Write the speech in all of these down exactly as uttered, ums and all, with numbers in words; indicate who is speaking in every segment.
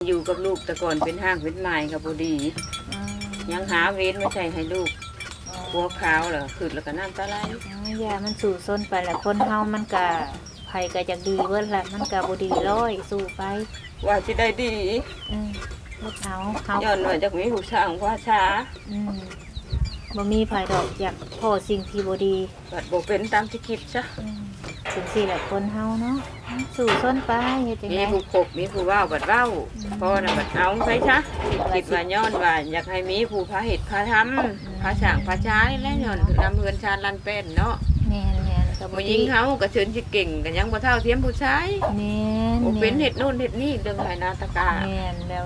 Speaker 1: อยู่กับลูกแต่ก่อนเป็นห้างเป็นไม้กับบุดียังหาเว้นไม่ใช่ให้ลูกหัวขาวเหรอขึ้นแล้วก็น้ำตาไหล
Speaker 2: ยามันสู่ส้นไปแหละคนเฮามันกะไผก็จะดีเบิ่นแหละมันกะบ่ดีร้อยสู่ไป
Speaker 1: ว่าสิได้ดี
Speaker 2: อืมลูกเฮาเฮา
Speaker 1: ย้อนว่าจากมีผู้สร้างว่าช้า
Speaker 2: อืมบ่มีไผดอกอยากพอสิ่งที่บ่ดี
Speaker 1: บัดบ่เป็นตามที่คิดซะ
Speaker 2: ถึงสิแหละคนเฮาเนาะสู่ส้นไปเฮ็ดจังได๋
Speaker 1: มีผู้ขบมีผู้ว้าบัดเว้าพอน่ะบัดเอาไปซะคิดว่าย้อนว่าอยากให้มีผู้พาเฮ็ดพาทำพาสร้างพาช้าและย้อนนำเฮือนชาญลันเป็นเนาะ
Speaker 2: แม่นๆก็บ่
Speaker 1: ผู้หญิงเฮาก็เชิญสิเก่งก็ยังบ่เท่าเทียมผู้ชาย
Speaker 2: แม่น
Speaker 1: บ่เป็นเฮ็ดนู่นเฮ็ดนี่เรื่องหลายนาตกา
Speaker 2: แม่นแล้ว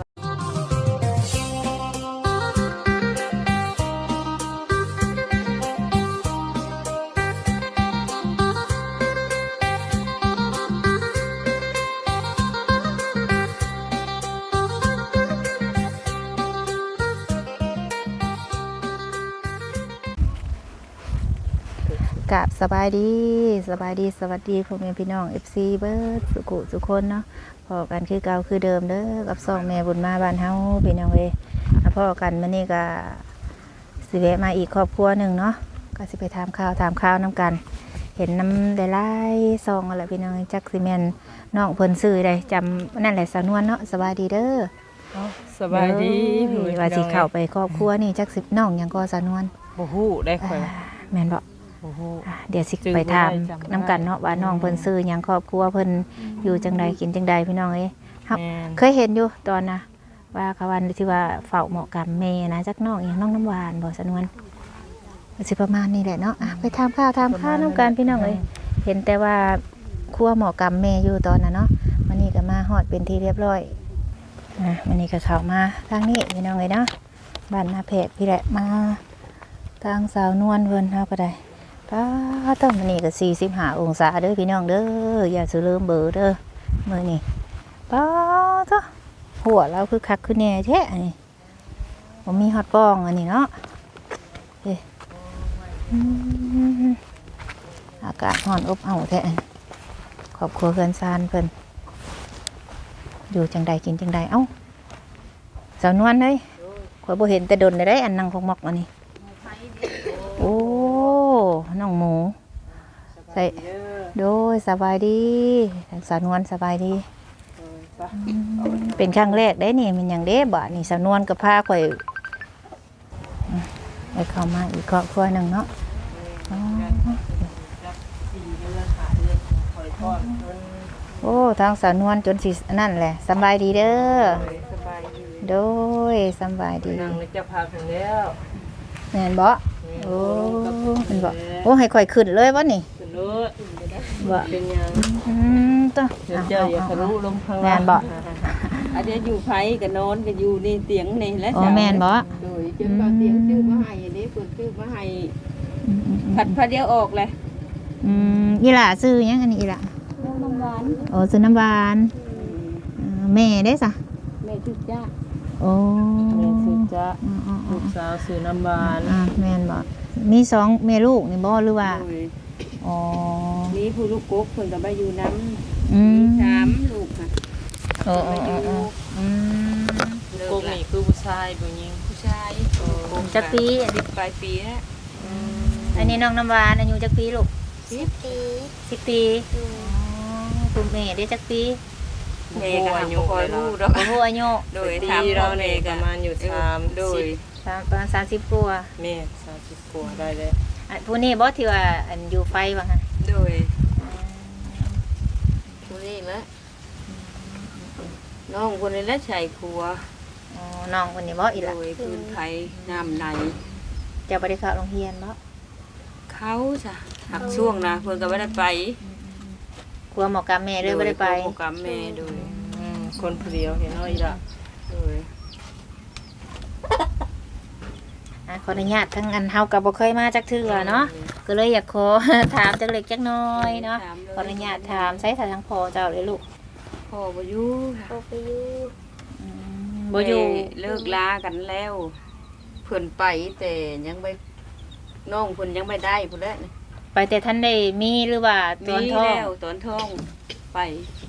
Speaker 2: กับสบายดีสบายดีสวัสดีพ่อแม่พี่น้อง เอฟ ซี เบิร์ดสุขุสุคนเนาะพอกันคือเก่าคือเดิมเด้อกับสองแม่บุญมาบ้านเฮาพี่น้องเอ้ยพ่อกันมื้อนี้ก็สิแวะมาอีกครอบครัวหนึ่งเนาะก็สิไปถามข่าวถามข่าวน้ำกันเห็นน้ำหลายๆซองอะไรพี่น้องจักสิแม่นน้องเพิ่นซื้อได้จำนั่นแหละสาวนวลเนาะสบายดีเด้อ
Speaker 3: สบายดี
Speaker 2: ว่าสิเข้าไปครอบครัวนี่จักสิน้องหยังก็สาวนวล
Speaker 3: บ่ฮู้ได้ค่อย
Speaker 2: แม่นบ่เดี๋ยวสิไปถามน้ำกันเนาะว่าน้องเพิ่นซื้อหยังครอบครัวเพิ่นอยู่จังใดกินจังใดพี่น้องเอ้ยครับเคยเห็นอยู่ตอนนะว่าเขาวันที่ว่าเฝ้าเหมาะกับแม่นะจักน้องอย่างน้องน้ำหวานบ่สนวนสิประมาณนี้แหละเนาะไปทำข้าวทำข้าวน้ำกันพี่น้องเอ้ยเห็นแต่ว่าครัวเหมาะกับแม่อยู่ตอนน่ะเนาะวันนี้ก็มาฮอดเป็นที่เรียบร้อยนะวันนี้ก็เข้ามาทางนี้พี่น้องเอ้ยเนาะบ้านนาแพกพี่แหละมาทางสาวนวลเพิ่นเฮาก็ได้ป้าต้นมันนี่ก็สี่สิบห้าองศาเด้อพี่น้องเด้ออย่าซื้อเริ่มเบอร์เด้อเมื่อนี่ป้าท้อหัวเราคือคักคือแน่แท้อันนี้ผมมีฮอตป้องอันนี้เนาะเฮ้อากาศร้อนอบอ้าวแท้ขอบครัวเพื่อนซานเพิ่นอยู่จังใดกินจังใดเอ้าสาวนวลเลยข่อยบ่เห็นแต่ดนได้อันนั่งพกมอกอันนี้โอ้น้องหมูใส่โดยสบายดีทางสาวนวลสบายดีเป็นครั้งแรกได้นี่มันอย่างเด้บ่นี่สาวนวลกับผ้าข่อยไปเข้ามาอีกครอบครัวหนึ่งเนาะโอ้ทางสาวนวลจนสินั่นแหละสบายดีเด้อโดยสบายดี
Speaker 1: นั่งจะพาถึงแล้ว
Speaker 2: แม่นบ่โอ้เป็นบ่โอ้ให้ข่อยขึ้นเลยวะนี่
Speaker 1: ขึ้นเลยบ่เป็นยัง
Speaker 2: อืมต้อ
Speaker 1: เดี๋ยวเจออย่าทะลุลงข้างล่าง
Speaker 2: แม่นบ่
Speaker 1: อันนี้อยู่ไผก็นอนก็อยู่นี่เตียงนี่และ
Speaker 2: อ๋อแม่นบ่
Speaker 1: โดยจนว่าเตียงซื้อมาให้อันนี้เพิ่นซื้อมาให้ผัดพะเดียวออกเลย
Speaker 2: อืมอีหล่าซื้อหยังอันนี้อีหล่า
Speaker 1: น้ำหวาน
Speaker 2: โอ้ซื้อน้ำหวานแม่ได้ซะ
Speaker 1: แม่ชื่อจ้า
Speaker 2: โอ้
Speaker 3: แม่ชื่อจ้าลูกสาวซื้อน้ำหวาน
Speaker 2: อ่าแม่นบ่มีสองแม่ลูกนี่บ่หรือว่าอ๋อ
Speaker 1: นี่ผู้ลูกกบเพิ่นก็มาอยู่น้ำ
Speaker 2: อืม
Speaker 1: สามลูกค่ะ
Speaker 2: โอ้ๆๆอืม
Speaker 3: ลูกกบนี่คือผู้ชายผู้หญิง
Speaker 1: ผู้ชาย
Speaker 2: จักปีอันนี้
Speaker 1: ปลายปีแล้ว
Speaker 2: อันนี้น้องน้ำหวานอายุจักปีลูก
Speaker 4: สิบปี
Speaker 2: สิบปีอ๋อคุณแม่ได้จักปี
Speaker 1: แม่ก็อายุคอยรู้ดอก
Speaker 2: โอ้โหอายุ
Speaker 1: โดยถามเราเนี่ยประมาณอยู่สามโดย
Speaker 2: ประมาณสามสิบกว่า
Speaker 3: แม่สามสิบกว่าได้เลย
Speaker 2: อันผู้นี้บ่ที่ว่าอันอยู่ไฟว่าหั่น
Speaker 1: โดยผู้นี้แหละน้องคนนี้แหละใส่ครัว
Speaker 2: อ๋อน้องคนนี้บ่อีหล่ะ
Speaker 1: โดยพื้นไทยน้ำใน
Speaker 2: จะบ่ได้เข้าโรงเรียนบ่
Speaker 1: เขาจ้ะหักช่วงนะเพิ่นก็บ่ได้ไป
Speaker 2: ครัวหมอกับแม่เลยบ่ได้ไป
Speaker 1: หมอกับแม่โดย
Speaker 3: คนผู้เดียวเห็นเนาะอีหล่ะ
Speaker 1: โดย
Speaker 2: ขออนุญาตทั้งอันเฮาก็บ่เคยมาจักเทื่อเนาะก็เลยอยากขอถามจักเล็กจักน้อยเนาะขออนุญาตถามใช้ทางพ่อเจ้าเลยลูก
Speaker 1: พ่อบ่อยู่
Speaker 4: พ่อไปอยู่
Speaker 2: อืมบ่อยู่
Speaker 1: เลิกลากันแล้วเพิ่นไปแต่ยังไม่น้องเพิ่นยังไม่ได้พุ่นแหละ
Speaker 2: ไปแต่ท่านได้มีหรือว่าตอนท้อง
Speaker 1: มีแล้วตอนท้องไป
Speaker 2: โ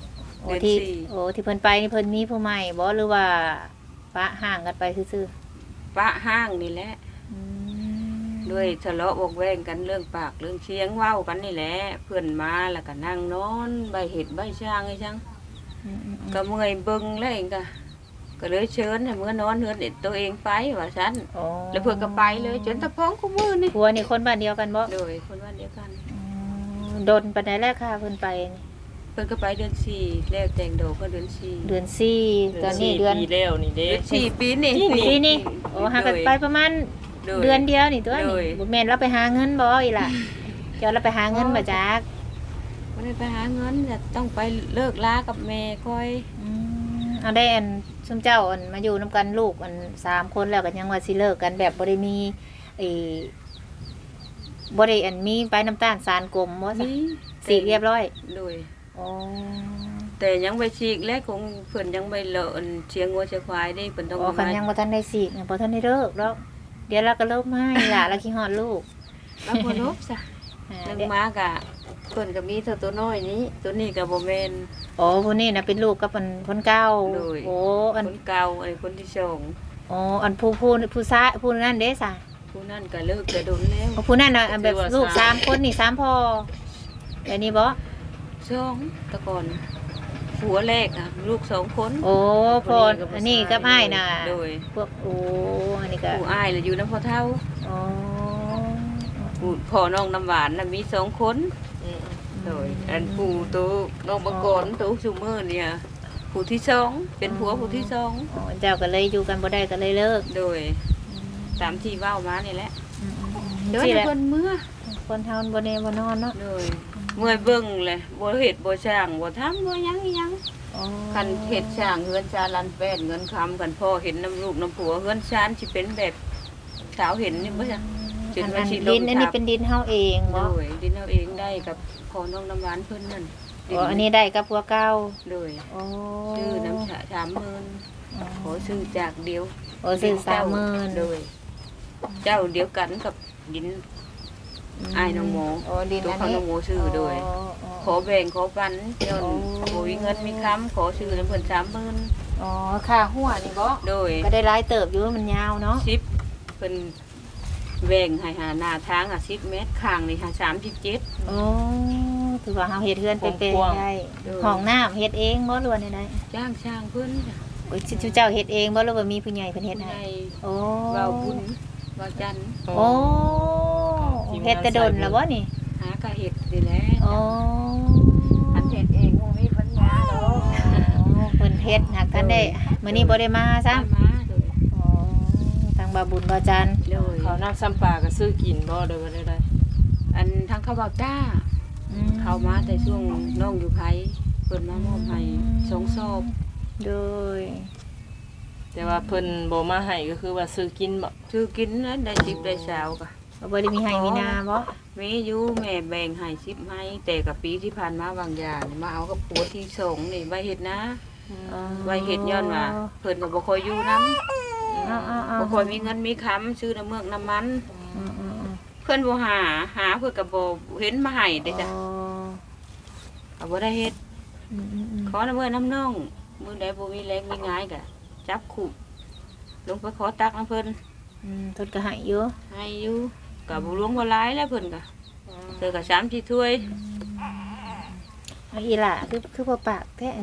Speaker 2: โอ้
Speaker 1: เดือน
Speaker 2: ที่
Speaker 1: สี่
Speaker 2: โอ้ที่เพิ่นไปนี่เพิ่นมีผู้ใหม่บ่หรือว่าปะห่างกันไปซื่อ
Speaker 1: ปะห้างนี่แหละ
Speaker 2: ๆอืม
Speaker 1: ด้วยทะเลาะวอกแวงกันเรื่องปากเรื่องเชียงเว้ากันนี่แหละเพื่อนมาแล้วก็นั่งนอนใบเห็ดใบช่างไอ้ช่าง
Speaker 2: อืมอืมอืม
Speaker 1: ก็เมื่อยเบิ่งแล้วเองก็ก็เลยเชิญให้เมื่อนอนเฮือนเด็ดตัวเองไปว่าซั่น
Speaker 2: โอ้
Speaker 1: แล้วเพิ่นก็ไปเลยจนตะพ้องกูมือนี่
Speaker 2: ผัวนี่คนบ้านเดียวกันบ่
Speaker 1: โดยคนบ้านเดียวกัน
Speaker 2: อืมโดนปานใดแรกค่ะเพิ่นไปนี่
Speaker 1: เพิ่นก็ไปเดือนสี่แล้วแต่งโดก็เดือนสี่
Speaker 2: เดือนสี่ตอนนี้เดือน
Speaker 3: ปีแล้วนี่เด้
Speaker 1: เดือนสี่ปีนี่
Speaker 2: ปีนี่โอ้หากันไปประมาณ
Speaker 1: โ
Speaker 2: เดือนเดียวนี่ตัว
Speaker 1: โด
Speaker 2: นี่
Speaker 1: ย
Speaker 2: บ่แม่นเราไปหาเงินบ่อีหล่ะเจ้าเราไปหาเงินมาจาก
Speaker 1: บ่ได้ไปหาเงินจะต้องไปเลิกลากับแม่ค่อย
Speaker 2: อืมเอาได้อันซุมเจ้าอันมาอยู่นํกันลูกอันสามคนแล้วก็ยังว่าสิเลิกกันแบบบ่ได้มีไอ้บ่ได้อันมีไปน้ำตาลสารกลมบ่ซะ
Speaker 1: นี่
Speaker 2: สีเรียบร้อย
Speaker 1: โดย
Speaker 2: อ๋อ
Speaker 1: แต่ยังไปฉีกและคงเพิ่นยังไปเลอะอันเชียงงัวเชียงควายนี่เพิ่นต้อง
Speaker 2: อ๋อคันยังบ่ทันได้สีกเนี่ยบ่ทันได้เลิกแล้วเดี๋ยวเราก็เลิกมาอีหล่ะเราคิดฮอดลูก
Speaker 1: มาบ่ลบซะ
Speaker 2: อ่า
Speaker 1: นึง
Speaker 2: เดี๋ยว
Speaker 1: มากะเพิ่นก็มีเท่าตัวน้อยนี้ ตัวนี้ก็บ่แม่น
Speaker 2: อ๋อผู้นี้น่ะเป็นลูกกับอันคนเก่า
Speaker 1: โดย
Speaker 2: โอ้อัน
Speaker 1: คนเก่าไอ้คนที่สอง
Speaker 2: อ๋ออันผู้ผู้ผู้ซะผู้นั้นเด้ซะ
Speaker 1: ผู้นั้นก็เลิกจะโดนแล้ว
Speaker 2: อ๋อผู้นั้นน่ะอันแบบลูกสามคนนี่สามพ่อแบบนี้บ่
Speaker 1: สองแตะก่อนผัวแรกอ่ะลูกสองคน
Speaker 2: โอ้พ่อ
Speaker 1: ผู้
Speaker 2: อันนี้กับอ้ายน่ะ
Speaker 1: โดย
Speaker 2: พวกโอ้อันนี้ก็
Speaker 1: ผู้อ้ายน่ะอยู่นำพ่อเฒ่า
Speaker 2: อ๋อ
Speaker 1: ผู้พ่อน้องน้ำหวานน่ะมีสองคน
Speaker 3: อืม
Speaker 1: โดยอันผู้ตัวน้องมะกอนตัวซุมื้อเนี่ยผู้ที่สองเป็นผัวผู้ที่สอง
Speaker 2: อ๋อเจ้าก็เลยอยู่กันบ่ได้ก็เลยเลิก
Speaker 1: โดยตามที่เว้ามานี่แหละ
Speaker 2: อืมๆๆ
Speaker 1: เดี๋ยว
Speaker 2: สิแหละ
Speaker 1: เพิ่นเมื่อ
Speaker 2: คนเฮาบ่แน่บ่นอนเนาะ
Speaker 1: เลยเมื่อยเบิ่งเลยบ่เฮ็ดบ่ช่างบ่ทำบ่หยังอีหยัง
Speaker 2: อ๋อ
Speaker 1: คันเฮ็ดช่างเฮือนชาลันแป้นเงินคำกันพ่อเห็นน้ำลูกน้ำผัวเฮือนชานสิเป็นแบบสาวเห็นนี่บ่จ้ะ
Speaker 2: อัน
Speaker 1: ว่า
Speaker 2: อัน
Speaker 1: สิลง
Speaker 2: ดินอันนี้
Speaker 1: ทับ
Speaker 2: เป็นดินเฮาเองบ่
Speaker 1: โดยดินเอาเองได้กับพ่อน้องน้ำหวานเพิ่นนั่น
Speaker 2: อ๋ออันนี้ได้กับผัวเก่า
Speaker 1: โดย
Speaker 2: อ๋อ
Speaker 1: ชื่อน้ำชาสามหมื่นขอซื้อจากเดียว
Speaker 2: โอ้ซื้อสามหมื่น
Speaker 1: โดย เจ้าเดียวกันกับดิน อ้ายน้องหมู
Speaker 2: โอ้ดิน
Speaker 1: ตัว
Speaker 2: อัน
Speaker 1: เขา
Speaker 2: นี้
Speaker 1: น้องหมูซื้อโดย
Speaker 2: อ๋ออ๋อ
Speaker 1: ขอแบ่งขอปันย้อน
Speaker 2: โอ้
Speaker 1: บ่มีเงินมีค้ำขอซื้อน้ำเพิ่นสามหมื่น
Speaker 2: อ๋อค่าหัวนี่บ่
Speaker 1: โดย
Speaker 2: ก็ได้หลายเติบอยู่มันยาวเนาะ
Speaker 1: สิบเป็นแบ่งให้หาหน้าทางอ่ะสิบเมตรข้างนี่ค่ะสามสิบเจ็ด
Speaker 2: โอ้ถือว่าเฮาเฮ็ดเฮือนเป็นเป็นได้
Speaker 1: เออ
Speaker 2: ห้องน้ำเฮ็ดเองบ่หรือว่าได้
Speaker 1: จ้างช่างเพิ่นจ้ะ
Speaker 2: โอ้ยชื่อเจ้าเฮ็ดเองบ่หรือว่ามีผู้ใหญ่เพิ่นเฮ็ดให้
Speaker 1: ใน
Speaker 2: โอ้
Speaker 1: เราบุญว่าจันทร์
Speaker 2: โอ้เฮ็ดแต่ดนแล้วบ่นี่
Speaker 1: หากะเห็ดนี่แหละ
Speaker 2: โอ้
Speaker 1: อันเห็ดเองคงมีปัญญาดอก
Speaker 2: เพิ่นเฮ็ดหากท่านได้มื้อนี้บ่ได้มาซะ
Speaker 1: ตามมาโดย
Speaker 2: อ๋อทางบาบุญบาจันทร์
Speaker 1: โดย
Speaker 3: เขาน้ำซ้ำปลาก็ซื้อกินบ่โดยบ่ได้ได้
Speaker 1: อันทางเขาบอกจ้า เข้ามาแต่ช่วงน้องอยู่ไผเพิ่นมามอบให้สองซอบ
Speaker 2: โดย
Speaker 3: แต่ว่าเพิ่นบ่มาให้ก็คือว่าซื้อกินบ่
Speaker 1: ชื่อกินนะได้สิบได้สาวกะ
Speaker 2: บ่ได้มีให้มีนาบ่
Speaker 1: มีอยู่แม่แบ่งให้สิบให้แต่กับปีที่ผ่านมาบางอย่างนี่มาเอากับผัวที่สองนี่ใบเห็ดนะ
Speaker 2: อ๋อ
Speaker 1: ใบเห็ดย้อนว่าเพิ่นก็บ่ค่อยอยู่นํ
Speaker 2: อ๋ออ๋ออ๋อ
Speaker 1: บ่ค่อยมีเงินมีค้ำซื้อน้ำเมือกน้ำมัน
Speaker 2: อืมอืมอืม
Speaker 1: เพิ่นบ่หาหาเพิ่นก็บ่เห็นมาให้เด้จ้ะ
Speaker 2: อ๋อ
Speaker 1: ก็บ่ได้เฮ็ด
Speaker 2: อืมอืมอืม
Speaker 1: ขอน้ำเมือกน้ำน่องมื้อใดบ่มีแรงมีงายก็จับขู่ลงไปขอตักน้ำเพิ่น
Speaker 2: อืมทนก็ให้อยู่
Speaker 1: ให้อยู่ก็บ่หลวงบ่หลายแล้วเพิ่นก็เจอก็สามสี่ถ้วย
Speaker 2: เอาอีหล่ะคือคือบ่ปากแท้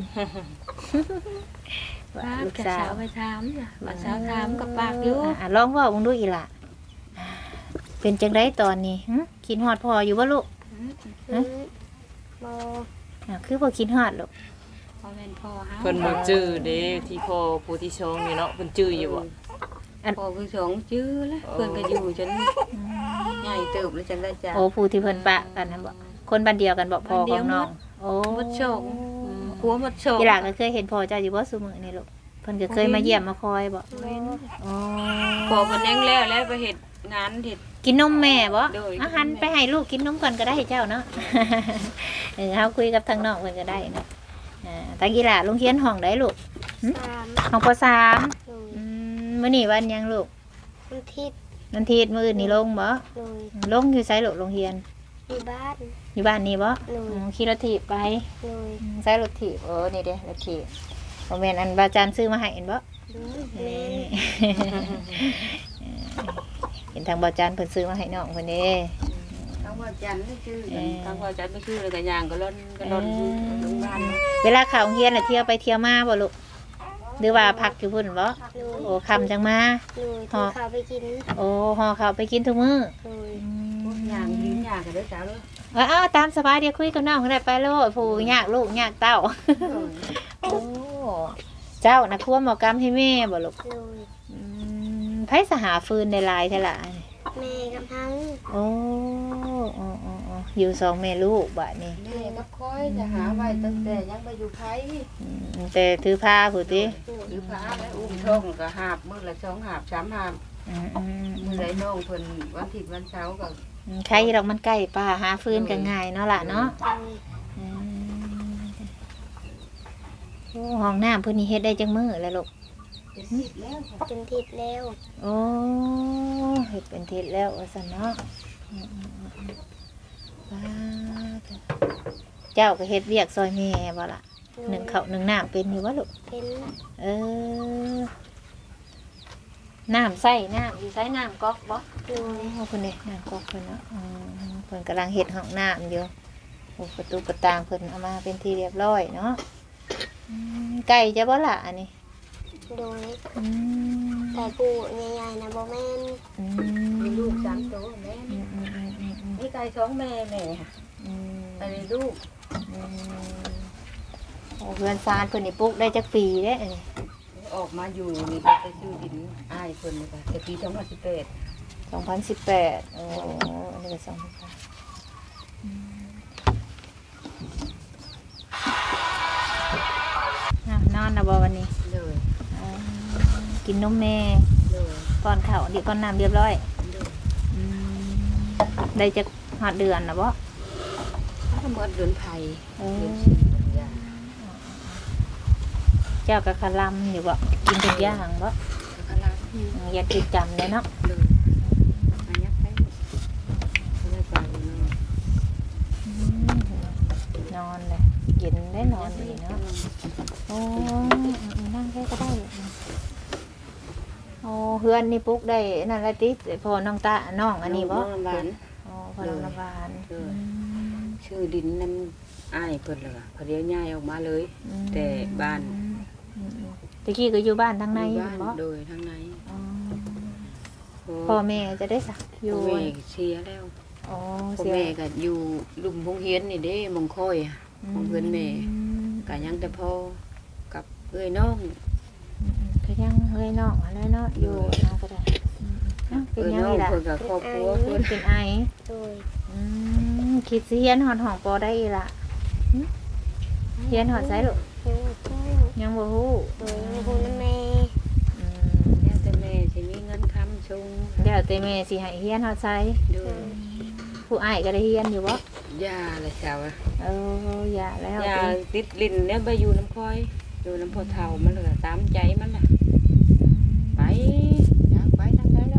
Speaker 2: ว่า
Speaker 1: ปาก
Speaker 2: ลูก
Speaker 1: กับ
Speaker 2: สา
Speaker 1: สาว วไปถามจ้ะว่าสาวถามกับปากอยู่
Speaker 2: อ่ะอ่ะลองเว้าเบิ่งดูอีหล่ะเป็นจังไดตอนนี้หึคิดฮอดพ่ออยู่บ่ลูก
Speaker 1: ฮะ
Speaker 2: อ่ะคือบ่คิดฮอดลูก
Speaker 1: พ่อแม่นพ่อเฮา
Speaker 3: เพิ่นบ่จื้อเด้ที่พ่อผู้ที่ชองนี่เนาะเพิ่นจื้ออยู่บ่
Speaker 1: พ่อคือสองชื่อแล้วเพิ่นก็อยู่จนใหญ่เติบแล้วจังได้จ้ะ
Speaker 2: โอ้ผู้ที่เพิ่นปะกันนั่นบ่คนบ้านเดียวกันบ่พ่อ
Speaker 1: บ้านเดี
Speaker 2: ข
Speaker 1: ย
Speaker 2: อ
Speaker 1: ว
Speaker 2: งน้อง
Speaker 1: หมด
Speaker 2: โอ้
Speaker 1: หมดโชค ผัวหมดโชค
Speaker 2: อีหล่ะก็เคยเห็นพ่อเจ้าอยู่บ่ซุมื้อนี่ลูกเพิ่นก็เคยมาเยี่ยมมาคอยบ่อ๋อ
Speaker 1: พอเพิ่นยังแล้วแล้วไปเฮ็ดงานเฮ็ด
Speaker 2: กินนมแม่บ่
Speaker 1: โดย
Speaker 2: อาหารไปให้ลูกกินนมก่อนก็ได้เจ้าเนาะ เออเฮาคุยกับทางน้องเพิ่นก็ได้เนาะอ่าตากีฬาโรงเรียนห้องใดลูก
Speaker 4: สาม
Speaker 2: ห้องปสาม
Speaker 4: โดย
Speaker 2: อืมมื้อนี้วันหยังลูก
Speaker 4: วันอาทิตย์
Speaker 2: วันอาทิตย์มื้ออื่นนี่ลงบ่
Speaker 4: โดย
Speaker 2: ลงอยู่ไสลูกโรงเรียน
Speaker 4: ออยู่บ้าน
Speaker 2: อยู่บ้านนี่บ่
Speaker 4: โดย
Speaker 2: อืมขี่รถถีบไป
Speaker 4: โดย
Speaker 2: อืมใช้รถถีบเออนี่เด้รถถีบบ่แม่นอันบาจานซื้อมาให้เห็นบ่
Speaker 4: โดยแม่น
Speaker 2: เห็นทางบาจานเพิ่นซื้อมาให้น้องเพิ่นเด้
Speaker 1: ทางว่าจันทร์นี่ชื่อ
Speaker 2: เอ่อ
Speaker 1: ทางว่าจันทร์ไม่ชื่อเลยกันย่างก็ล้นก็ล้นอยู่โรงพยาบาล
Speaker 2: เวลาเข้าโรงเรียนน่ะเที่ยวไปเที่ยวมาบ่ลูกหรือว่าพักอยู่พุ่นบ่
Speaker 4: โดย
Speaker 2: โอ้คำจังมา
Speaker 4: โดยที่เขาไปกิน
Speaker 2: โอ้ห่อข้าวไปกินทุกมื้อ
Speaker 4: โดย
Speaker 1: พวกย่างยืนย่างกันเด้อจ้าเลย
Speaker 2: เออเอาตามสบายเดี๋ยวคุยกับน้องก็ได้ไปโลดผู้ยากลูกยากเต้า โอ้เจ้านะครัวหมอกรรมให้แม่บ่ลูก
Speaker 4: โดย
Speaker 2: อืมไผสหาฟืนในลายเท่าล่ะ
Speaker 4: แม่กำลัง
Speaker 2: โอ้โอ้โอ้โอ้อยู่สองแม่ลูกบัดนี้
Speaker 1: แม่ก็คอยจะหาไว้ตั้งแต่ยังไปอยู่ไผ
Speaker 2: อืมแต่ถือผ้าผู้ติ
Speaker 1: หรือพระแล้วอุ้มช่องก็หาบมื้อละสองหาบสามหาบ
Speaker 2: อืมอืม
Speaker 1: มื้อใดน้องเพิ่นวันอาทิตย์วันเสาร์ก็
Speaker 2: อืมใครดอกมันใกล้ป่าหาฟืนก็ง่ายเนาะล่ะเนาะ
Speaker 4: โดย
Speaker 2: อืมโอ้ห้องน้ำเพิ่นนี่เฮ็ดได้จังมื้อแล้วลูก
Speaker 1: เป็นสิบแล้วค่ะ
Speaker 4: เป็นทิศแล้ว
Speaker 2: โอ้เฮ็ดเป็นทิศแล้วว่าซั่นเนาะอืมอืมอืมอืมว้าเถอะเจ้าก็เฮ็ดเวียกซอยแม่บ่ล่ะ
Speaker 4: โดย
Speaker 2: หนึ่งข้าวหนึ่งน้ำเป็นอยู่บ่ลูก
Speaker 4: เป็น
Speaker 2: เออ น้ำใส่น้ำอยู่ใส่น้ำก๊อกบ่
Speaker 4: โดย
Speaker 2: โอ้คนนี้น้ำก๊อกเพิ่นเนาะอืมเพิ่นกำลังเฮ็ดห้องน้ำอยู่โอ้ประตูประตางเพิ่นเอามาเป็นที่เรียบร้อยเนาะอืมไก่จะบ่ล่ะอันนี้
Speaker 4: โดย
Speaker 2: อืม
Speaker 4: แต่ปูใหญ่ๆนะบ่แม่น
Speaker 2: อื
Speaker 1: มี
Speaker 2: ม
Speaker 1: ลูกสามตัวแม่
Speaker 2: อืมอืมอืมอืมอืม
Speaker 1: มีไก่สองแม่แม่ค่ะ
Speaker 2: อืม
Speaker 1: อันนี้ลูก
Speaker 2: อืมโอ้เพื่อนซานเพิ่นนี่ปลูกได้จักปีเด้อันนี้
Speaker 1: ออกมาอยู่นี่ก็ไปซื้อดินอ้ายเพิ่นนี่ค่ะแต่ปีสองพันสิบแปด
Speaker 2: สองพันสิบแปดโอ้อันนี้ก็สองพันแปดอืมอ่ะนอนนะบ่วันนี้
Speaker 1: เลย
Speaker 2: อ๋อกินนมแม่
Speaker 1: เลย
Speaker 2: ก่อนข้าวเดี๋ยวก่อนน้ำเรียบร้อย
Speaker 1: เลย
Speaker 2: อืมได้จะหอดเดือนนะบ่
Speaker 1: ถ้าหมดเดือนไผ่
Speaker 2: เอ
Speaker 1: เดื
Speaker 2: อ
Speaker 1: อนสี่เดือนยา
Speaker 2: เจ้ากับคาลัมอยู่บ่กินทุกอย่างบ่
Speaker 1: แล้วก็ล้าง
Speaker 2: อืมอย่าติดจำเลยเนาะ
Speaker 1: เลยมายักไปไม่ได้ไปเนาะ
Speaker 2: อืมนอนเลยเย็นได้นอนดีเนาะโอ้นั่งแค่ก็ได้โอ้เฮือนนี่ปลุ๊กได้นั่นละติพอน้องตาน้องอันนี้บ่
Speaker 1: น้องหวาน
Speaker 2: โอ้พอน้องน้ำหวาน
Speaker 1: เลย ชื่อดินน้ำอ้ายเพิ่นเลยค่ะพอเดียวย้ายออกมาเลย
Speaker 2: อืม
Speaker 1: แต่บ้าน
Speaker 2: อืมอืมตะกี้ก็อยู่บ้านทางใน
Speaker 1: อยู่
Speaker 2: อยู่
Speaker 1: บ้าน
Speaker 2: บ่
Speaker 1: โดยทางใน
Speaker 2: อ๋อ
Speaker 1: พ่
Speaker 2: พ่อ
Speaker 1: อ
Speaker 2: แม่จะได้สักอยู่
Speaker 1: แม่เสียแล้ว
Speaker 2: อ๋อ
Speaker 1: พ่อ
Speaker 2: เสีย
Speaker 1: แม่ก็อยู่ลุมพงเฮียนนี่เด้มงค่อยอะของเพื่อนแม่ก็ยังแต่พ่อกับเอ้ยน้อง
Speaker 2: อืมก็ยังเฮ้ยน้องอะไรเนาะอยู่น้องก็ได้อืมอ้าวเป็น
Speaker 1: เอ้ย
Speaker 2: ยัง
Speaker 1: น้อง
Speaker 2: ไงล่ะ
Speaker 1: เพิ่นกับครอบครัวเพิ่น
Speaker 2: เป็นไอ
Speaker 4: โดย
Speaker 2: อืมคิดสิเฮียนหอดห้องปอได้อีหล่ะหึเฮียนหอดไสลูก
Speaker 4: ยังบ่ฮู้
Speaker 2: ยังบ่ฮู้
Speaker 4: โดยยังบ่ฮู้นำแม่
Speaker 2: อืม
Speaker 1: แล้วแต่แม่สิมีเงินค้ำชง
Speaker 2: เดี๋ยวแต่แม่สิให้เฮียนหอดไส
Speaker 1: ด้วย
Speaker 2: ผู้อ้ายก็ได้เฮียนอยู่บ่
Speaker 1: ยาละเจ้าอะ
Speaker 2: เอออย่าแล้ว
Speaker 1: ยา
Speaker 2: ติ
Speaker 1: ติดลิ้นเนี่ยไปอยู่น้ำค่อย อยู่น้ำพ่อเฒ่ามันเหลือตามใจมันน่ะไปอยากไปทางใดแล้ว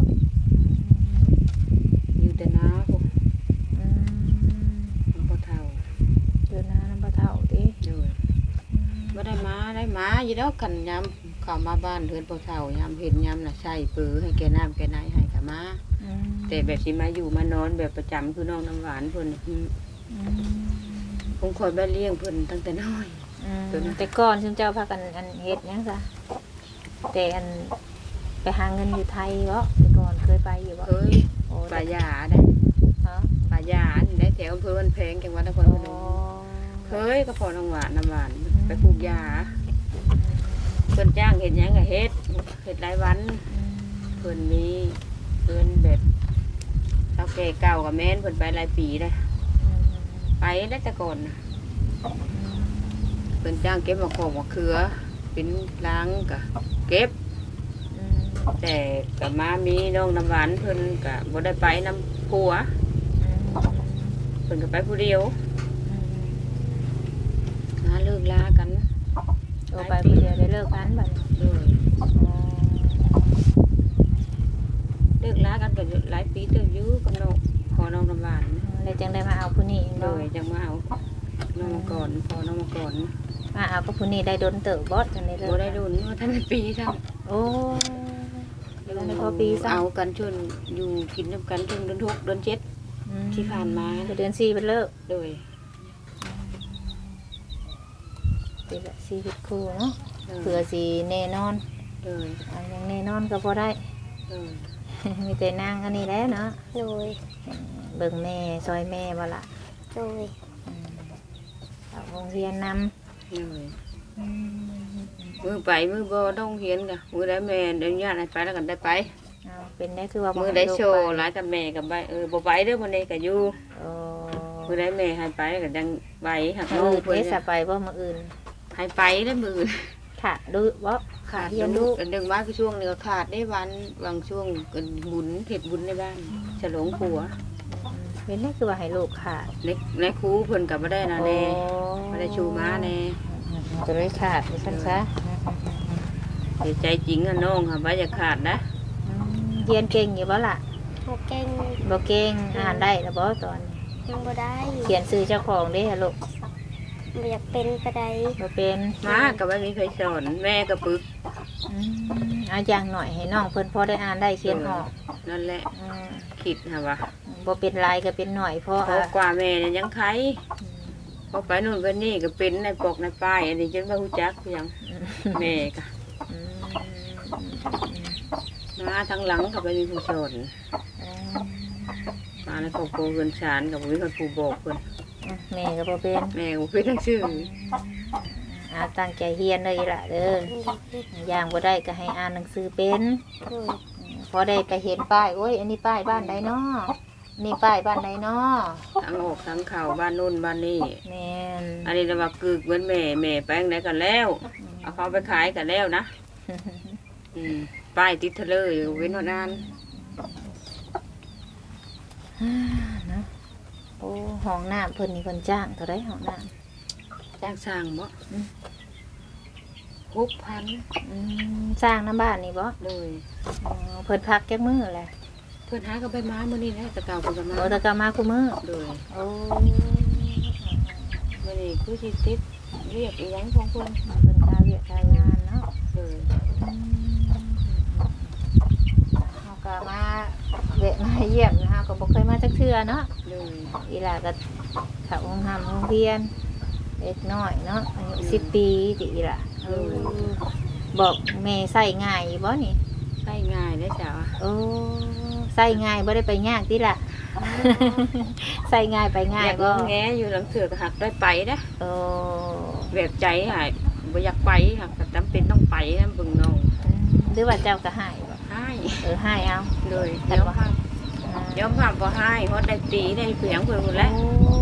Speaker 1: อยู่แต่นาพวก
Speaker 2: อืม
Speaker 1: น้ำพ่อเฒ่า
Speaker 2: อยู่นาน้ำปลาเท่าติ
Speaker 1: ด้วยบ่ได้มาได้มาอยู่แล้วกันยามเข้ามาบ้านเฮือนพ่อเฒ่ายามเห็นยามน่ะใส่ปือให้แกน้ำแกไหนให้ก็มา
Speaker 2: อืม
Speaker 1: แต่แบบสิมาอยู่มานอนแบบประจำคือน้องน้ำหวานเพิ่นอืม
Speaker 2: อืม
Speaker 1: ผมคอยบ้านเลี้ยงเพิ่นตั้งแต่น้อย
Speaker 2: อืม
Speaker 1: ตัวนั้น
Speaker 2: แต่ก่อนซึ่งเจ้าพากันอันเฮ็ดหยังซะแต่อันไปหาเงินอยู่ไทยบ่แต่ก่อนเคยไปอยู่บ่
Speaker 1: เคย
Speaker 2: โอ้
Speaker 1: ป่ายาได้
Speaker 2: ฮะ
Speaker 1: ป่ายานี่ได้แถวอำเภอวันแพงจังหวัดนคร
Speaker 2: โอ้
Speaker 1: พนมเคยก็พอน้องหวานน้ำหวานไปปลูกยาเพิ่นจ้างเฮ็ดหยังก็เฮ็ดเฮ็ดหลายวัน
Speaker 2: อืม
Speaker 1: เพิ่นมีเพิ่นแบบเฒ่าแก่เก่ากับแม่นเพิ่นไปหลายปีเลย
Speaker 2: อืม
Speaker 1: ไปได้แต่ก่อนน่ะเพิ่นจ้างเก็บมะขอกมะเขือเป็นล้างก็เก็บ
Speaker 2: อืม
Speaker 1: แต่ก็มามีน้องน้ำหวานเพิ่นก็บ่ได้ไปนำผัว
Speaker 2: อืม
Speaker 1: เพิ่นก็ไปผู้เดียว
Speaker 2: อืม
Speaker 1: หาเลิกลากัน
Speaker 2: โอ้ไปผู้เดียวได้เลิกกันบัดนี้
Speaker 1: เลย
Speaker 2: อ๋อ
Speaker 1: เลิกลากันก็หลายปีเติบอยู่กับน้องขอน้องน้ำหวาน
Speaker 2: เออเลยจังได้มาเอาผู้นี้
Speaker 1: โดยจังมาเอาน้องมาก่อนพอน้องมาก่อน
Speaker 2: มาเอาก็ผู้นี้ได้โดนเติบบอสจังได้เลย
Speaker 1: บ่ได้รุ่นว่าท่านปีทั้ง
Speaker 2: โอ้เดี๋ยวในพอปีซะ
Speaker 1: เอากันชนอยู่กินน้ำกันจนเดือนหกเดือนเจ็ดที่ผ่านมา
Speaker 2: เดือนสี่เป็นเลิก
Speaker 1: โดย
Speaker 2: ปีละสี่สิบคู่เนาะเผื่อสีแน่นอน
Speaker 1: โดย
Speaker 2: อันยังแน่นอนก็พอได้
Speaker 1: โดย
Speaker 2: มีแต่นางอันนี้แหล้วเนาะ
Speaker 4: โดย
Speaker 2: เบิ่งแม่ซอยแม่บ่ละ
Speaker 4: โดย
Speaker 2: เอาโรงเรียนน
Speaker 1: โดย
Speaker 2: ำ
Speaker 1: มือไปมือบ่ต้องเฮียนกะมือได้แม่เดินญาติให้ไปแล้วกันได้ไป
Speaker 2: เอาเป็นได้คือว่า
Speaker 1: มื
Speaker 2: มื
Speaker 1: อได้โชว์หลายกับแม่กับไปเออบ่ไปเด้อมื้อนี้ก็อยู่
Speaker 2: โอ้
Speaker 1: มือได้แม่ให้ไปก็จังไปหัก
Speaker 2: มื
Speaker 1: น้อง
Speaker 2: ออื่น
Speaker 1: เพิ่น
Speaker 2: เด้สะไปบ่มืออื่น
Speaker 1: ให้ไปเด้อมื้อ
Speaker 2: ค่ะดูบ่ขาเทียน
Speaker 1: ลู
Speaker 2: ลู
Speaker 1: ก
Speaker 2: ก
Speaker 1: ดึงว่าคือช่วงนี้ก็ขาดได้วันบางช่วงก็บุญเฮ็ดบุญในบ้านฉลองผัว
Speaker 2: เป็นได้คือว่าให้ลูกขาด
Speaker 1: ในในครูเพิ่นก็บ่ได้นะแน่บ่ได้ชูมาแน่
Speaker 2: จะได้ขาดดิฉันซะ
Speaker 1: เสียใจจริงอะน้องค่ะว่าอย่าขาดนะ
Speaker 2: เรียนเก่งอยู่บ่ล่ะ
Speaker 4: บ่เก่ง
Speaker 2: บ่เก่งอ่านได้แล้วบ่ตอนนี้
Speaker 4: ยังบ่ได้
Speaker 2: เขียนชื่อเจ้าของเด้ฮะลูก
Speaker 4: บ่อยากเป็นปานใด
Speaker 2: บ่เป็น
Speaker 1: มาก็บ่มีใครสอนแม่ก็ปึก
Speaker 2: อืมเอาอย่างหน่อยให้น้องเพิ่นพอได้อ่านได้เขียนออก
Speaker 1: นั่นแหละ
Speaker 2: อืม
Speaker 1: คิดค่ะว่า
Speaker 2: บ่เป็นลายก็เป็นหน่อยเพราะ
Speaker 1: เพราะกว่าแม่เนี่ยยังไขพอไปนู่นไปนี่ก็เป็นในปกในป้ายอันนี้จนว่าฮู้จักคือหยังแม่ก็
Speaker 2: อืม
Speaker 1: มาทางหลังก็บ่มีผู้สอน
Speaker 2: อืม
Speaker 1: มาในครอบครัวเพิ่นชานก็บ่มีคนผู้บอกเพิ่น
Speaker 2: แม่ก็บ่เป็น
Speaker 1: แม่ก็บ่เป็นทั้งชื่อ
Speaker 2: อาตั้งใจเรียนเลยล่ะเด้ออย่างบ่ได้ก็ให้อ่านหนังสือเป็น
Speaker 4: โดย
Speaker 2: พอได้ไปเห็นป้ายโอ้ยอันนี้ป้ายบ้านใดเนาะนี่ป้ายบ้านใดเนาะ
Speaker 1: ทั้งออกทั้งเข้าบ้านนู่นบ้านนี่
Speaker 2: แม่น
Speaker 1: อันนี้เราว่ากึกเหมือนแม่แม่แป้งไหนกันแล้วเอาเขาไปขายกันแล้วนะอืมป้ายติดเทเลอร์อยู่เว้นวันนั้น
Speaker 2: เนาะโอ้ห้องน้ำเพิ่นนี่เพิ่นจ้างเท่าไรห้องน้
Speaker 1: จ้างสร้างบ่หกพัน
Speaker 2: ำอืมสร้างน้ำบ้านนี่บ่
Speaker 1: เลย
Speaker 2: อ๋อเพิ่นพักจักมื้อแหละ
Speaker 1: เพื่อนหาก็ไปมาเมื่อนี้นะแตะเก่าเพิ่นก็มา
Speaker 2: โอ้แต่ก็มาคุมื้อ
Speaker 1: เลย
Speaker 2: โอ้
Speaker 1: เมื่อนี้คือสิติดเรียกอีหยังของเพิ่น
Speaker 2: เพิ่นกาเวียกกางานเนาะ
Speaker 1: เลย
Speaker 2: เฮาก็มาแวะมาเยี่ยมนะเฮาก็บ่เคยมาจักเทื่อเนาะ
Speaker 1: เลย
Speaker 2: อีหล่าก็เข้าโรงหำโรงเรียนเล็กน้อยเนาะอายุสิบปีติอีหล่ะเออบอกแม่ใส่ง่ายอยู่บ่นี่
Speaker 1: ใช้ง่ายได้จ้ะ
Speaker 2: โอ้ใส่ง่ายบ่ได้ไปยากติล่ะ ใส่ง่ายไปง่าย
Speaker 1: อยาก
Speaker 2: ก็
Speaker 1: งอแงอยู่หลังเถือกหักได้ไปนะ
Speaker 2: โอ้
Speaker 1: แบบใจหายบ่อยากไปหักแต่จำเป็นต้องไปนะเบิ่งน้อง
Speaker 2: หรือว่าเจ้าก็ให้บ่
Speaker 1: ให้
Speaker 2: เออให้เอา
Speaker 1: เลยเดี๋ยวพาเดี๋ยวพาบ่ให้เพราะได้ตีได้เสียงเพิ่นหมดแล้ว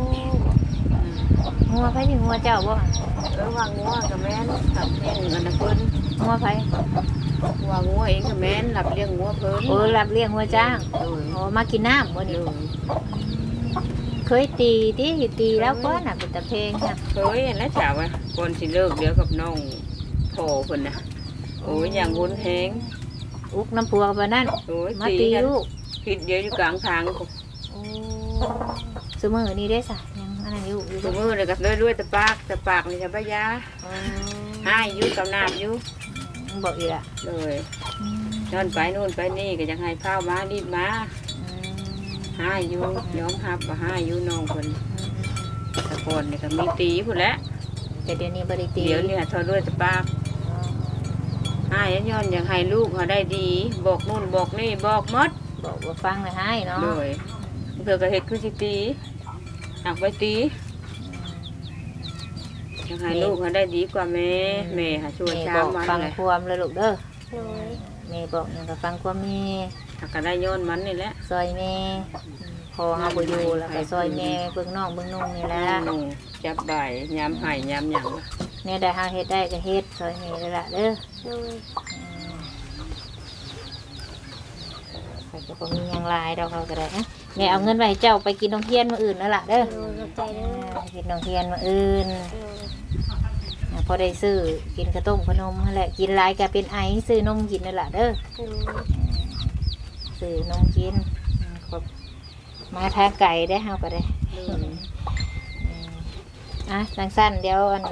Speaker 2: งัวไผสิงัวเจ้าบ่
Speaker 1: เออว่างัวกับแม่นกับเลี้ยงอันนั้นเพิ่น
Speaker 2: งัวไผ
Speaker 1: ว่างัวเองกับแม่นรับเลี้ยงงัวเพิ่น
Speaker 2: โอ้รับเลี้ยงงัวจ้าง
Speaker 1: โดย
Speaker 2: โอ้มากินน้ำบ่
Speaker 1: โด
Speaker 2: นี่
Speaker 1: ย
Speaker 2: เคยตีติตีแล้วก็น่ะเป็นตะเพลงค่ะ
Speaker 1: เคยเห็นแล้วจ้าว่าก่อนสิเลิกเดี๋ยวกับน้องพ่อเพิ่นน่ะโอ้ยอย่างวุ้นแฮง
Speaker 2: อุกน้ำพัวบ่นั่น
Speaker 1: โอ้ย
Speaker 2: มา
Speaker 1: ตี
Speaker 2: ตี
Speaker 1: กัน
Speaker 2: ลูก
Speaker 1: ผิดเดี๋ยวอยู่กลางทาง
Speaker 2: โอ้ซุมื้อนี้ได้ซะยังอันนั้นอยู่อยู่
Speaker 1: สมือเลยกับด้วยด้วยแต่ปากแต่ปากนี่จะพยา
Speaker 2: อ๋อ
Speaker 1: ให้อยู่กับน้ำอยู่
Speaker 2: บอกอีกละ
Speaker 1: เลยนอนไปนู่นไปนี่ก็ยังให้ข้าวมารีบมาให้อยู่ยอมรับว่าให้อยู่น้องเพิ่นแตะกอนนี่ก็มีตีพุ่นแหละ
Speaker 2: แต่เดี๋ยวนี้บริตี
Speaker 1: เดี๋ยวนี้ทอด้วยแต่ปากให้ย้อนอยากให้ลูกเขาได้ดี บอกนู่นบอกนี่บอกหมด
Speaker 2: บอกว่าฟังเลยให้เนาะ
Speaker 1: เลยเพื่อก็เฮ็ดคือสิตีหักไปตีอยากให้ลูกเขาได้ดีกว่าแม่แม่หาช่วย
Speaker 2: แม่
Speaker 1: ช้า
Speaker 2: บอก
Speaker 1: มัน
Speaker 2: ฟัง
Speaker 1: เลย
Speaker 2: ความเลยลูกเด้อ
Speaker 4: โดย
Speaker 2: แม่บอกอย่างกับฟังความแม่
Speaker 1: หักก็ได้ย้อนมันนี่แหละ
Speaker 2: ซอยแม่พอเฮาบ่อยู่แล้วก็ซอยแม่เบิ่งน้องเบิ่งนุ่งนี่แหละ
Speaker 1: หนูจับใบยามไห้ยามหยัง
Speaker 2: เนี่ยได้เฮาเฮ็ดได้ก็เฮ็ดซอยแม่เลยล่ะเด้อ
Speaker 4: โดย
Speaker 2: เขาก็บ่มีหยังหลายดอกเขาก็ได้นะแม่เอาเงินไว้ให้เจ้าไปกินนมเทียนมื้ออื่นนั่นล่ะเด้อ
Speaker 4: โดยเข้าใจเด้อ
Speaker 2: กินนมเทียนมื้ออื่น
Speaker 4: โดย
Speaker 2: พอได้ซื้อกินข้าวต้มขนมนั่นแหละกินหลายก็เป็นไอซื้อนมกินนั่นแหละเด้อ
Speaker 4: โดย
Speaker 2: ซื้อนมกินครบมาทางไกลได้เฮาก็ได้
Speaker 1: โดย
Speaker 2: อืมอ่ะจังสั้นเดี๋ยวอัน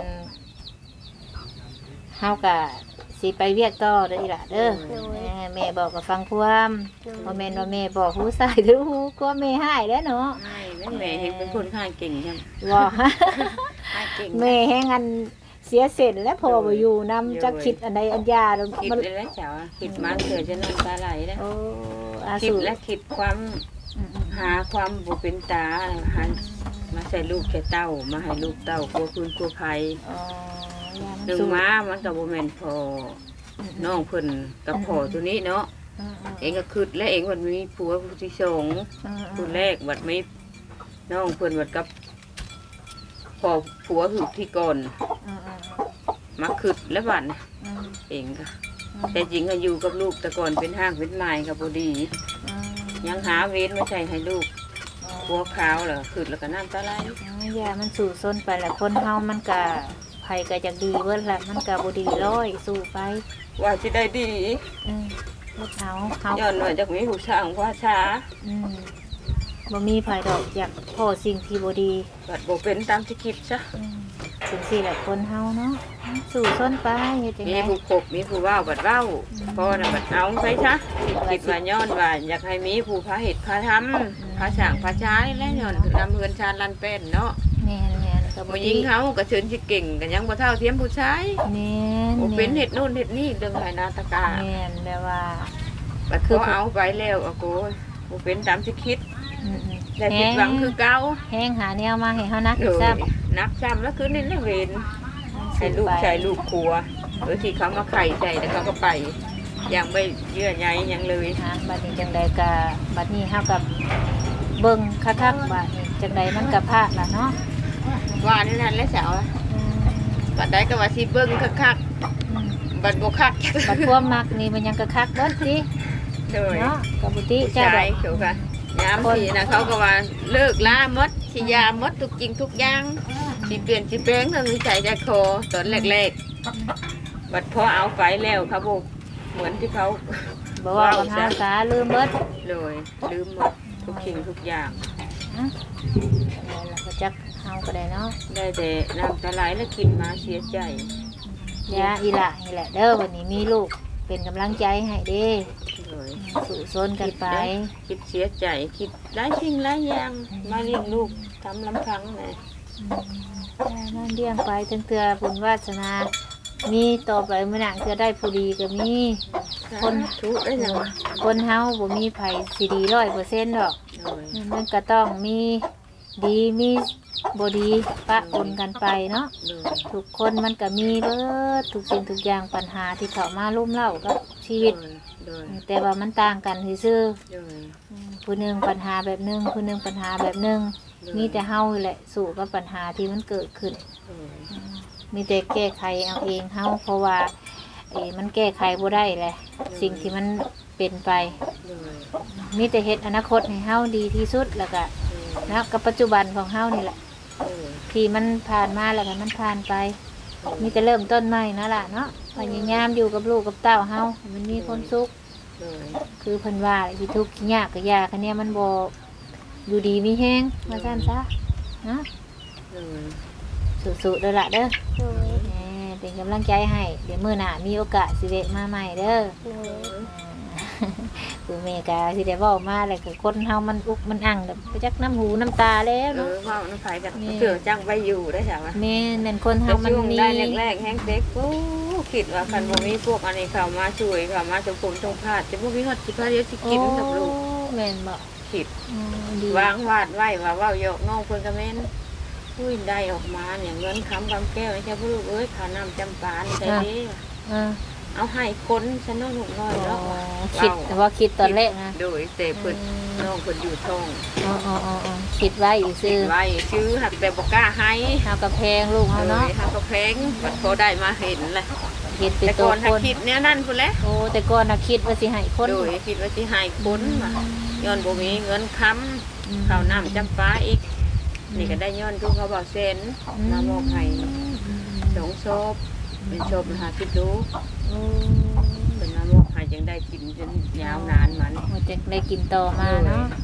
Speaker 2: เฮาก็สิไปเวียกต่อเด้ออีหล่ะเด้อแม่แม่บอกก็ฟังความ
Speaker 4: โดย
Speaker 2: บ่แม่นว่าแม่บอกหูซ้ายหรือหูก็แม่หายแล้วเนาะ
Speaker 1: ใช่แม่แม่เห็นเป็นคนข้างเก่งใช่ไหม
Speaker 2: บ่
Speaker 1: ข้างเก่ง
Speaker 2: แม่แฮงอันเสียเส้นและพอบ่อยู่นำจักคิดอันใดอันยาแล้ว
Speaker 1: คิด
Speaker 2: มัน
Speaker 1: เลยแล้วเจ้าคิดมาเกิดจะน้ำตาไหลแล้ว
Speaker 2: โอ้อา
Speaker 1: คิด
Speaker 2: สู
Speaker 1: และคิดความ
Speaker 2: อืม
Speaker 1: หาความบุเป็นตาหามาใส่ลูกแค่เต้ามาให้ลูกเต้ากลัวคืนกลัวภัย
Speaker 2: ๆอ๋อยามัน
Speaker 1: หนึ่ง
Speaker 2: สู
Speaker 1: ม้ามันกับโบแมนพอน้องเพิ่นกับพ่อตัวนี้เนาะ
Speaker 2: อืม
Speaker 1: เองก็คืดและเองวันมีผัวผู้ที่สอง
Speaker 2: อืม
Speaker 1: คนแรกบัดไม่น้องเพิ่นบัดกับพ่อผัวหือที่ก่อน
Speaker 2: อืมอืม
Speaker 1: มาคืดและบัดน่ะ
Speaker 2: อืม
Speaker 1: เองก็แต่จริงก็อยู่กับลูกแต่ก่อนเป็นห้างเป็นไม้กับพอดี
Speaker 2: อืม
Speaker 1: ยังหาเว้นไม่ใช่ให้ลูกผัวขาวเหรอคืดแล้วก็น้ำตาไหล
Speaker 2: ยามันสู่ซนไปแหละคนเฮามันก็ไผก็จะดีเบิดแหละมันก็บ่ดีร้อยสู้ไป
Speaker 1: ว่าสิได้ดี
Speaker 2: อืมเฮ็ดเอาเฮา
Speaker 1: ย้อนว่าจากมีผู้ช่างว่าช้า
Speaker 2: อืมบ่มีไผดอกอยากพอสิ่งที่บ่ดี
Speaker 1: บัดบ่เป็นตามที่คิดซะ
Speaker 2: อืมถึงสิแหละคนเฮาเนาะสู่ซนไปเฮ็ดจัง
Speaker 1: มี
Speaker 2: ได๋
Speaker 1: ผู้ขบมีผู้เว้าบัดเว้าพ่อน่ะบัดเอาไปซะคิดว่าย้อนว่าอยากให้มีผู้พาเหตุพาทำพาสร้างพาช้าและย้อนนำเฮือนชาญลันเป็นเนาะ
Speaker 2: แม่นๆก็บ่
Speaker 1: ผู้ห
Speaker 2: ดี
Speaker 1: ญิงเฮาก็เชิญสิเก่งก็ยังบ่เท่าเทียมผู้ชาย
Speaker 2: แม่น
Speaker 1: บ่เป็นเฮ็ดโน่นเฮ็ดนี่เรื่องไหนาตะกา
Speaker 2: แม่นแบบว่า
Speaker 1: บัดพอเอาไปแล้วอะโกยบ่เป็นตามที่คิด
Speaker 2: อืม
Speaker 1: ได้ผิดหวังคือเก่า
Speaker 2: แฮงหาแนวมาให้เฮานัก
Speaker 1: โดย
Speaker 2: ซ้ำ
Speaker 1: นักซ้ำแล้วคือนี่เวรให้ลูกชายลูกครัวหรือที่เขามาไข่ใจแล้วเขาก็ไปยังไม่เยื่อใยยังเลย
Speaker 2: ฮะบัดนี้จังใดก็บัดนี้เฮากับเบิ่งคักๆบัดนี้จังใดมันก็พลาดล่ะเนาะ
Speaker 1: ว่านี่นั่นแล้วสาว
Speaker 2: อืม
Speaker 1: บัดใดก็ว่าสิเบิ่งคัก
Speaker 2: อืม
Speaker 1: ๆบัดบ่คัก
Speaker 2: บัดความมักนี่มันยังก็คักเบิดติ
Speaker 1: โดย
Speaker 2: เนาะก็บ่ติ
Speaker 1: ผู้
Speaker 2: เจ้า
Speaker 1: ชา
Speaker 2: ดอย ก
Speaker 1: เขาก็ยามทีนะเขาก็ว่าเลิกลาหมดสิยาหมดทุกจริงทุกอย่างสิเปลี่ยนสิแปลงเรื่องนิสัยใจคอตอนแรกๆบัดพอเอาไปแล้วเขาบอกเหมือนที่เขา
Speaker 2: บ่ว่ากับเฮาสาลืมเบิด
Speaker 1: เลยลืมหมดทุกสิ่งทุกอย่าง
Speaker 2: นะนั่นล่ะก็จักเฮาก็ได้เนาะ
Speaker 1: ได้แต่น้ำตาไหลและกินมาเสียใจ
Speaker 2: ยาอีหละนี่แหละเด้อวันนี้มีลูกเป็นกำลังใจให้เด้
Speaker 1: เลย
Speaker 2: สู่ซนกันไป
Speaker 1: คิดเสียใจคิดหลายสิ่งหลายอย่างมาเลี้ยงลูกทำลำพังเลย
Speaker 2: นั่นเลี้ยงไปถึงเตือบุญวาสนา มีต่อไปเมื่อหนังเตือได้ผู้ดีก็มี
Speaker 1: คน ทุกข์ได้ยังวะ
Speaker 2: คนเฮาบ่มีไผสิดีร้อยเปอร์เซ็นต์ดอก
Speaker 1: เลย
Speaker 2: มันก็ต้องมีดีมีบ่ดีปะปนกันไปเนาะ
Speaker 1: เลย
Speaker 2: ทุกคนมันก็มีเบิดทุกสิ่งทุกอย่างปัญหาที่เข้ามาลุ่มเล่ากับชีวิต
Speaker 1: เลย
Speaker 2: แต่ว่ามันต่างกันซื่อ
Speaker 1: เลย
Speaker 2: ๆผู้หนึงปัญหาแบบหนึงผู้หนึงปัญหาแบบหนึงมีแต่เฮาแหละสู้กับปัญหาที่มันเกิดขึ้น
Speaker 1: เลย
Speaker 2: มีแต่แก้ไขเอาเองเฮาเพราะว่าเอ้มันแก้ไขบ่ได้แหละสิ่งที่มันเป็นไป
Speaker 1: เลย
Speaker 2: มีแต่เฮ็ดอนาคตให้เฮาดีที่สุดแล้วก็นะกับปัจจุบันของเฮานี่แหละ
Speaker 1: เลย
Speaker 2: ที่มันผ่านมาแล้วก็มันผ่านไป มีแต่เริ่มต้นใหม่นั่นล่ะเนาะพยายามอยู่กับลูกกับเต้าเฮาให้มันมีความสุข
Speaker 1: เลย
Speaker 2: คือเพิ่นว่าที่ทุกข์ที่ยากก็ยากคันเนี้ยมันบ่อยู่ดีมีแฮงว่าซั่นซะนะ
Speaker 1: เลย
Speaker 2: สู้ๆเด้อล่ะเด้อ
Speaker 4: โดย
Speaker 2: แหมเป็นกำลังใจให้ เดี๋ยวมื้อหน้ามีโอกาสสิแวะมาใหม่เด้อ
Speaker 4: โดย
Speaker 2: คือแม่กาสิได้เว้ามาแล้วก็คนเฮามันอุกมันอั่งแบบไปจักน้ำหูน้ำตาแล้ว
Speaker 1: เอ
Speaker 2: เนาะ
Speaker 1: อว่าน้ำไผ่กันเสือจังไปอยู่ได้ใช่ไหม
Speaker 2: แม่แม่นคนเฮา
Speaker 1: แต่
Speaker 2: มัน
Speaker 1: ช่วง
Speaker 2: มี
Speaker 1: ได้แรกๆแห้งเด็กโอ้คิดว่าคันบ่มีพวกอันนี้เข้ามาช่วยเข้ามาสมผมตรงพาดจะบ่มีฮอดสิพาเดียวสิกินกับลูก
Speaker 2: โอ้แม่นบ่
Speaker 1: คิด
Speaker 2: อืมดี
Speaker 1: วางวาดไว้ว่าเว้าหยอกน้องเพิ่นก็แม่นอุ้ยได้ออกมาเนี่ยเงินค้ำกำแก้วให้เจ้าพ่อลูกเอ้ยข้าวน้ำจำปานี่ใส่ดี
Speaker 2: เออ
Speaker 1: เอาให้คนฉันน้องลูกน้อยแล้ว
Speaker 2: คิดแต่ว่าคิดตอนแรกนะ
Speaker 1: โดยแต่เพิ่นน้องเพิ่นอยู่ท้อง
Speaker 2: อ๋ออ๋ออ๋ออ๋อคิดไว้อีก
Speaker 1: คิ
Speaker 2: ซื่
Speaker 1: ด
Speaker 2: อ
Speaker 1: ไว้ชื่อหักแต่บ่กล้าให้
Speaker 2: เฮากับแพงลูกเฮา
Speaker 1: โด
Speaker 2: เนาะ
Speaker 1: ยหักก็แพงบัดพอได้มาเห็นแหละ
Speaker 2: คิดเป็น
Speaker 1: แต่
Speaker 2: ตั
Speaker 1: ก่
Speaker 2: ว
Speaker 1: อนถ้า
Speaker 2: คน
Speaker 1: คิดเนี่ยนั่นพุ่นแหละ
Speaker 2: โอ้แต่ก่อนน่ะคิดว่าสิให้คน
Speaker 1: โดยคิดว่าสิให้คนมาย้อนบ่มีเงินค้
Speaker 2: อืม
Speaker 1: ำข้าวน้ำจำปาอีก นี่ก็ได้ย้อนทุกเขาบอกเซนมามอบให้สองศพเป็นศพหาคิดดู
Speaker 2: โอ้
Speaker 1: เป็นมามอบให้จึงได้กินจนยาวนานมัน
Speaker 2: โอ้จะได้กินต่อมาเนาะอ่ะ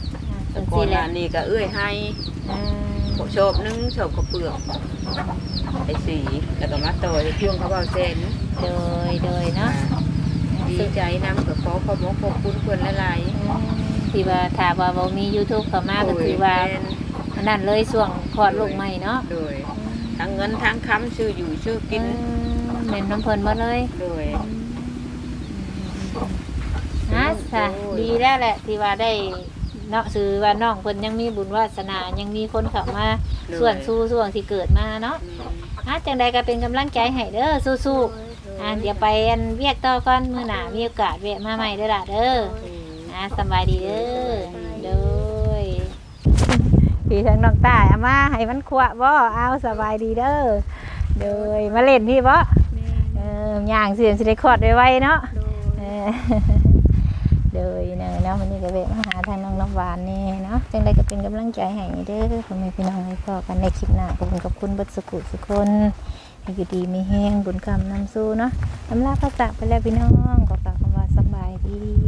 Speaker 1: แต่ก่อนหน้านี้ก็เอื้อยให้
Speaker 2: อ่า
Speaker 1: โชบนึงโชบข้าวเปลือกไอ้สีแล้วก็มาต่อยช่วงเขาเบาเซน
Speaker 2: โดยโดยเนาะ
Speaker 1: ดีใจนำกับขอขอบขอบคุณเพื่อนหลาย
Speaker 2: ที่ว่าถ้าว่าบ่มี YouTube เข้ามา
Speaker 1: ๆ
Speaker 2: ก็คือว่าอันนั้นเลยช่วงคลอดลูกใหม่เนาะ
Speaker 1: โดยทั้งเงินทั้งคำชื่ออยู่ชื่อกิน
Speaker 2: เน้นน้ำเพิ่นหมดเลย
Speaker 1: โดย
Speaker 2: นะค่ะดีแล้วแหละที่ว่าได้เนาะสื่อว่าน้องเพิ่นยังมีบุญวาสนายังมีคนเข้ามาส่วนสู้ส่วนที่เกิดมาเนาะอ่ะจังใดก็เป็นกำลังใจให้เด้อสู้ๆอ่ะเดี๋ยวไปอันเวียกต่อก่อนมื้อหน้ามีโอกาสแวะมาใหม่เด้อล่ะเด้ออ่ะสบายดีเด้อโดยพี่ทางน้องตาเอามาให้มันขวะบ่เอาสบายดีเด้อโดยมาเล่นพี่บ่เออย่างเสียงสิได้คลอดไวๆเนาะเออโดยเนาะเนาะวันนี้ก็แวะมาหาทางน้องน้ำหวานนี่เนาะจังใดก็เป็นกำลังใจให้เด้อพ่อแม่พี่น้องให้พ่อกันในคลิปหน้าขอบคุณขอบคุณเบิดสุขุทุกคนให้อยู่ดีมีแห้งบุญคำนำสู้เนาะอำลาพระจากไปแล้วพี่น้องขอกล่าวคำว่าสบายดี